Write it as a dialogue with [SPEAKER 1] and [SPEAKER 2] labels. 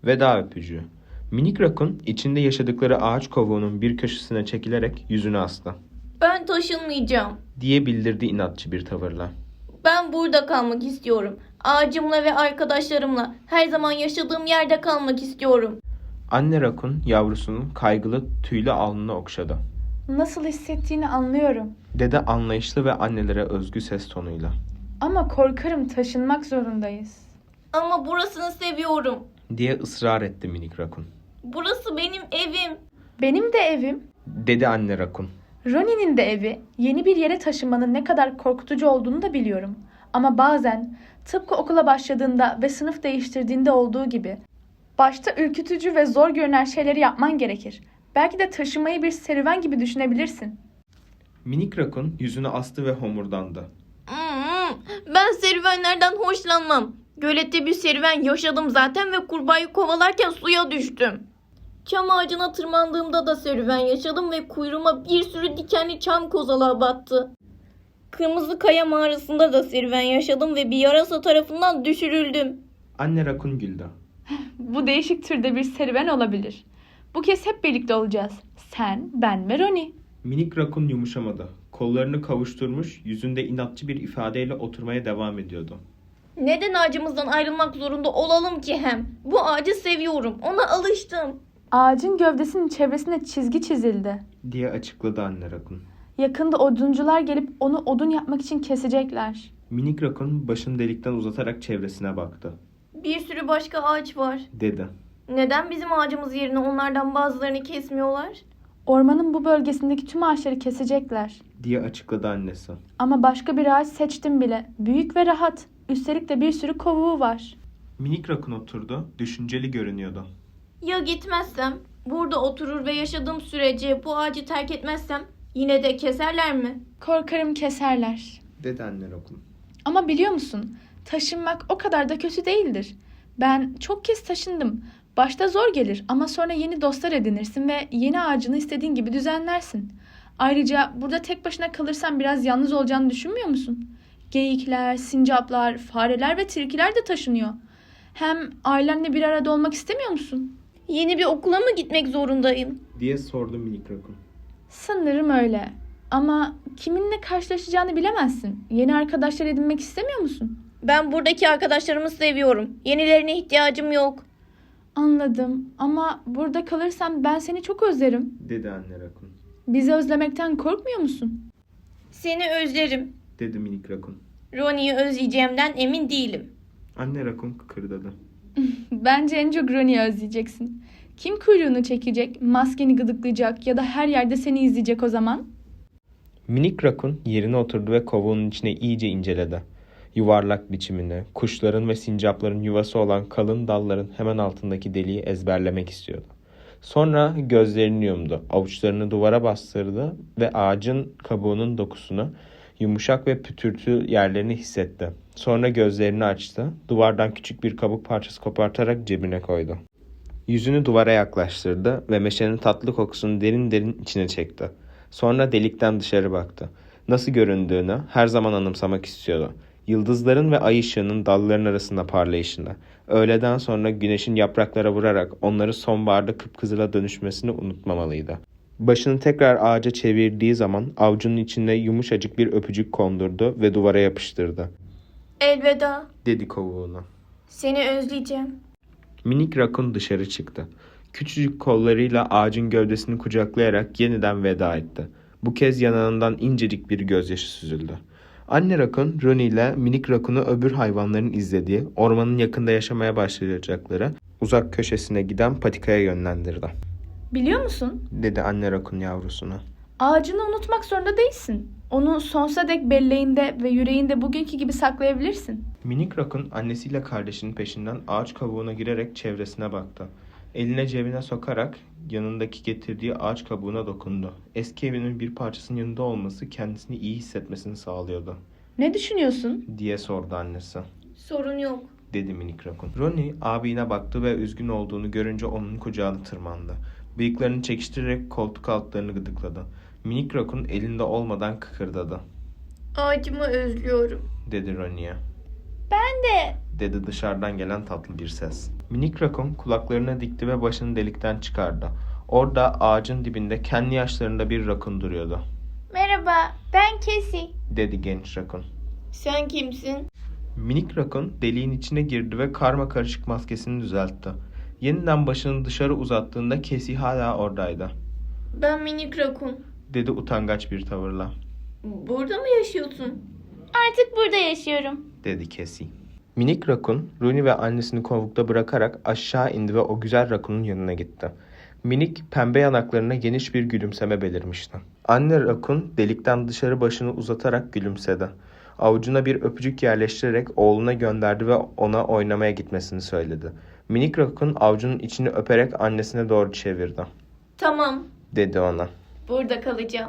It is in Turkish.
[SPEAKER 1] Veda öpücüğü. Minik rakun içinde yaşadıkları ağaç kovuğunun bir köşesine çekilerek yüzünü astı.
[SPEAKER 2] Ben taşınmayacağım.
[SPEAKER 1] Diye bildirdi inatçı bir tavırla.
[SPEAKER 2] Ben burada kalmak istiyorum. Ağacımla ve arkadaşlarımla her zaman yaşadığım yerde kalmak istiyorum.
[SPEAKER 1] Anne rakun yavrusunun kaygılı tüylü alnını okşadı.
[SPEAKER 3] Nasıl hissettiğini anlıyorum.
[SPEAKER 1] Dede anlayışlı ve annelere özgü ses tonuyla.
[SPEAKER 3] Ama korkarım taşınmak zorundayız.
[SPEAKER 2] Ama burasını seviyorum.
[SPEAKER 1] Diye ısrar etti minik rakun.
[SPEAKER 2] Burası benim evim.
[SPEAKER 3] Benim de evim,
[SPEAKER 1] Dedi anne rakun.
[SPEAKER 3] Ronnie'nin de evi. Yeni bir yere taşınmanın ne kadar korkutucu olduğunu da biliyorum. Ama bazen tıpkı okula başladığında ve sınıf değiştirdiğinde olduğu gibi başta ürkütücü ve zor görünen şeyleri yapman gerekir. Belki de taşımayı bir serüven gibi düşünebilirsin.
[SPEAKER 1] Minik rakun yüzünü astı ve homurdandı.
[SPEAKER 2] Ben serüvenlerden hoşlanmam. Gölette bir serüven yaşadım zaten ve kurbağayı kovalarken suya düştüm. Çam ağacına tırmandığımda da serüven yaşadım ve kuyruğuma bir sürü dikenli çam kozalağı battı. Kırmızı Kaya mağarasında da serüven yaşadım ve bir yarasa tarafından düşürüldüm.
[SPEAKER 1] Anne rakun güldü.
[SPEAKER 3] Bu değişik türde bir serüven olabilir. Bu kez hep birlikte olacağız. Sen, ben ve Ronnie.
[SPEAKER 1] Minik rakun yumuşamadı. Kollarını kavuşturmuş, yüzünde inatçı bir ifadeyle oturmaya devam ediyordu.
[SPEAKER 2] Neden ağacımızdan ayrılmak zorunda olalım ki hem? Bu ağacı seviyorum. Ona alıştım.
[SPEAKER 3] Ağacın gövdesinin çevresine çizgi çizildi.
[SPEAKER 1] Diye açıkladı anne rakun.
[SPEAKER 3] Yakında oduncular gelip onu odun yapmak için kesecekler.
[SPEAKER 1] Minik rakun başını delikten uzatarak çevresine baktı.
[SPEAKER 2] Bir sürü başka ağaç var.
[SPEAKER 1] Dedi.
[SPEAKER 2] Neden bizim ağacımız yerine onlardan bazılarını kesmiyorlar?
[SPEAKER 3] Ormanın bu bölgesindeki tüm ağaçları kesecekler.
[SPEAKER 1] Diye açıkladı annesi.
[SPEAKER 3] Ama başka bir ağaç seçtim bile. Büyük ve rahat. Üstelik de bir sürü kovuğu var.
[SPEAKER 1] Minik rakun oturdu, düşünceli görünüyordu.
[SPEAKER 2] Ya gitmezsem? Burada oturur ve yaşadığım sürece bu ağacı terk etmezsem yine de keserler mi?
[SPEAKER 3] Korkarım keserler.
[SPEAKER 1] Dedi anne rakun.
[SPEAKER 3] Ama biliyor musun? Taşınmak o kadar da kötü değildir. Ben çok kez taşındım. Başta zor gelir ama sonra yeni dostlar edinirsin ve yeni ağacını istediğin gibi düzenlersin. Ayrıca burada tek başına kalırsan biraz yalnız olacağını düşünmüyor musun? Geyikler, sincaplar, fareler ve tilkiler de taşınıyor. Hem ailenle bir arada olmak istemiyor musun?
[SPEAKER 2] Yeni bir okula mı gitmek zorundayım?
[SPEAKER 1] Diye sordu minik rakun.
[SPEAKER 3] Sanırım öyle. Ama kiminle karşılaşacağını bilemezsin. Yeni arkadaşlar edinmek istemiyor musun?
[SPEAKER 2] Ben buradaki arkadaşlarımı seviyorum. Yenilerine ihtiyacım yok.
[SPEAKER 3] Anladım ama burada kalırsan ben seni çok özlerim.
[SPEAKER 1] Dedi anne rakun.
[SPEAKER 3] Bizi özlemekten korkmuyor musun?
[SPEAKER 2] Seni özlerim.
[SPEAKER 1] Dedi minik rakun.
[SPEAKER 2] Ronnie'yi özleyeceğimden emin değilim.
[SPEAKER 1] Anne rakun kıkırdadı.
[SPEAKER 3] Bence en çok Ronnie'yi özleyeceksin. Kim kuyruğunu çekecek, maskeni gıdıklayacak ya da her yerde seni izleyecek o zaman?
[SPEAKER 1] Minik rakun yerine oturdu ve kovuğunun içine iyice inceledi. Yuvarlak biçimini, kuşların ve sincapların yuvası olan kalın dalların hemen altındaki deliği ezberlemek istiyordu. Sonra gözlerini yumdu, avuçlarını duvara bastırdı ve ağacın kabuğunun dokusunu, yumuşak ve pütürtü yerlerini hissetti. Sonra gözlerini açtı, duvardan küçük bir kabuk parçası kopartarak cebine koydu. Yüzünü duvara yaklaştırdı ve meşenin tatlı kokusunu derin derin içine çekti. Sonra delikten dışarı baktı. Nasıl göründüğünü her zaman anımsamak istiyordu. Yıldızların ve ay ışığının dalların arasında parlayışını, öğleden sonra güneşin yapraklara vurarak onları sonbaharda kıpkızıla dönüşmesini unutmamalıydı. Başını tekrar ağaca çevirdiği zaman avucunun içine yumuşacık bir öpücük kondurdu ve duvara yapıştırdı.
[SPEAKER 2] Elveda.
[SPEAKER 1] Dedi kovuğuna.
[SPEAKER 2] Seni özleyeceğim.
[SPEAKER 1] Minik rakun dışarı çıktı. Küçücük kollarıyla ağacın gövdesini kucaklayarak yeniden veda etti. Bu kez yanağından incecik bir gözyaşı süzüldü. Anne rakun, Ronnie ile minik rakunu öbür hayvanların izlediği, ormanın yakında yaşamaya başlayacakları uzak köşesine giden patikaya yönlendirdi.
[SPEAKER 3] Biliyor musun?
[SPEAKER 1] Dedi anne rakun yavrusuna.
[SPEAKER 3] Ağacını unutmak zorunda değilsin. Onu sonsuza dek belleğinde ve yüreğinde bugünkü gibi saklayabilirsin.
[SPEAKER 1] Minik rakun annesiyle kardeşinin peşinden ağaç kabuğuna girerek çevresine baktı. Eline cebine sokarak yanındaki getirdiği ağaç kabuğuna dokundu. Eski evinin bir parçasının yanında olması kendisini iyi hissetmesini sağlıyordu.
[SPEAKER 3] Ne düşünüyorsun?
[SPEAKER 1] Diye sordu annesi.
[SPEAKER 2] Sorun yok.
[SPEAKER 1] Dedi minik rakun. Ronnie abine baktı ve üzgün olduğunu görünce onun kucağına tırmandı. Bıyıklarını çekiştirerek koltuk altlarını gıdıkladı. Minik rakun elinde olmadan kıkırdadı.
[SPEAKER 2] Ağacımı özlüyorum.
[SPEAKER 1] Dedi Ronnie'ye.
[SPEAKER 3] Ben de.
[SPEAKER 1] dedi dışarıdan gelen tatlı bir ses. Minik rakun kulaklarını dikti ve başını delikten çıkardı. Orada ağacın dibinde kendi yaşlarında bir rakun duruyordu.
[SPEAKER 3] Merhaba, ben Casey.
[SPEAKER 1] Dedi genç rakun.
[SPEAKER 2] Sen kimsin?
[SPEAKER 1] Minik rakun deliğin içine girdi ve karma karışık maskesini düzeltti. Yeniden başını dışarı uzattığında Casey hala oradaydı.
[SPEAKER 2] Ben minik rakun.
[SPEAKER 1] Dedi utangaç bir tavırla.
[SPEAKER 2] Burada mı yaşıyorsun?
[SPEAKER 3] Artık burada yaşıyorum.
[SPEAKER 1] Dedi Casey. Minik rakun Rooney ve annesini kovukta bırakarak aşağı indi ve o güzel rakunun yanına gitti. Minik pembe yanaklarına geniş bir gülümseme belirmişti. Anne rakun delikten dışarı başını uzatarak gülümsedi. Avucuna bir öpücük yerleştirerek oğluna gönderdi ve ona oynamaya gitmesini söyledi. Minik rakun avucunun içini öperek annesine doğru çevirdi.
[SPEAKER 2] Tamam,
[SPEAKER 1] Dedi ona.
[SPEAKER 2] burada kalacağım.